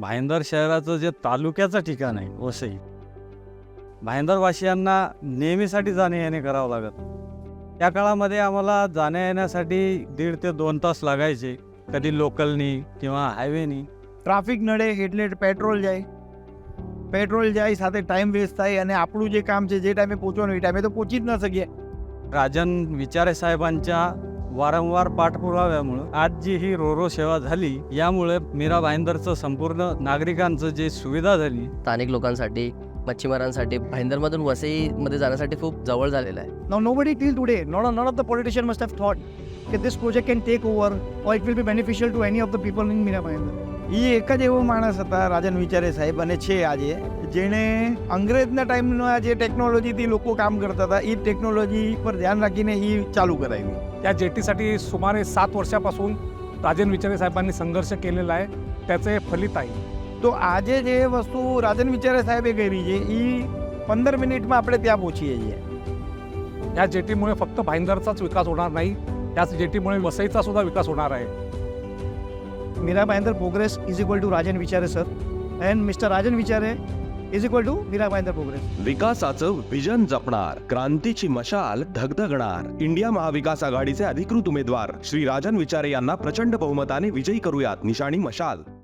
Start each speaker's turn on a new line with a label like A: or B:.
A: भाईंदर शहराचं जे तालुक्याचं ठिकाण आहे वसई, भाईंदरवासियांना नेहमीसाठी जाणे येणे करावं लागत. त्या काळामध्ये आम्हाला जाण्या येण्यासाठी 1.5 ते 2 तास लागायचे, कधी लोकलनी किंवा हायवेनी.
B: ટ્રાફિક નડે એટલે પેટ્રોલ જાય સાથે ટાઈમ વેસ્ટ થાય અને આપણું જે કામ છે જે ટાઈમે પહોંચવાનું એ ટાઈમે તો પહોંચી જ ન શકીએ.
A: राजन विचारे साहेबांच्या वारंवार पाठपुराव्यामुळं आज जी ही रोरो सेवा झाली, यामुळे मीरा भाईंदरचं संपूर्ण नागरिकांचं जे सुविधा झाली.
C: स्थानिक लोकांसाठी, मच्छीमारांसाठी भाईंदरमधून वसईमध्ये जाण्यासाठी खूप जवळ झालेलं आहे.
B: Now nobody till today, none of the politician must have thought that this project can take over or it will be beneficial to any of the people in Mira Bhayandar. એ એક જ એવો માણસ હતા રાજન વિચારે સાહેબ અને છે આજે, જેણે અંગ્રેજના ટાઈમના જે ટેકનોલોજીથી લોકો કામ કરતા હતા એ ટેકનોલોજી પર ધ્યાન રાખીને એ ચાલू કરાવી.
D: या जेटीसाठी सुमारे 7 वर्षापासून राजन विचारे साहेबांनी संघर्ष केलेला आहे, त्याचे फलित आहे.
B: તો આજે જે વસ્તુ રાજન વિચારે સાહેબે કરી છે એ 15 મિનિટમાં આપણે ત્યાં પહોંચીએ છીએ.
D: या जेटीमुळे फक्त भाईंदरचाच विकास होणार नाही, याच जेटीमुळे वसईचा सुद्धा विकास होणार आहे.
B: Mira Bhayandar progress is equal to Rajan Vichare sir and mister Rajan Vichare is equal to Mira Bhayandar progress.
E: विकासाचं विजन जपणार, क्रांतीची मशाल धगधगणार. इंडिया महाविकास आघाडीचे अधिकृत उमेदवार श्री राजन विचारे यांना प्रचंड बहुमताने विजयी करूयात. निशाणी मशाल.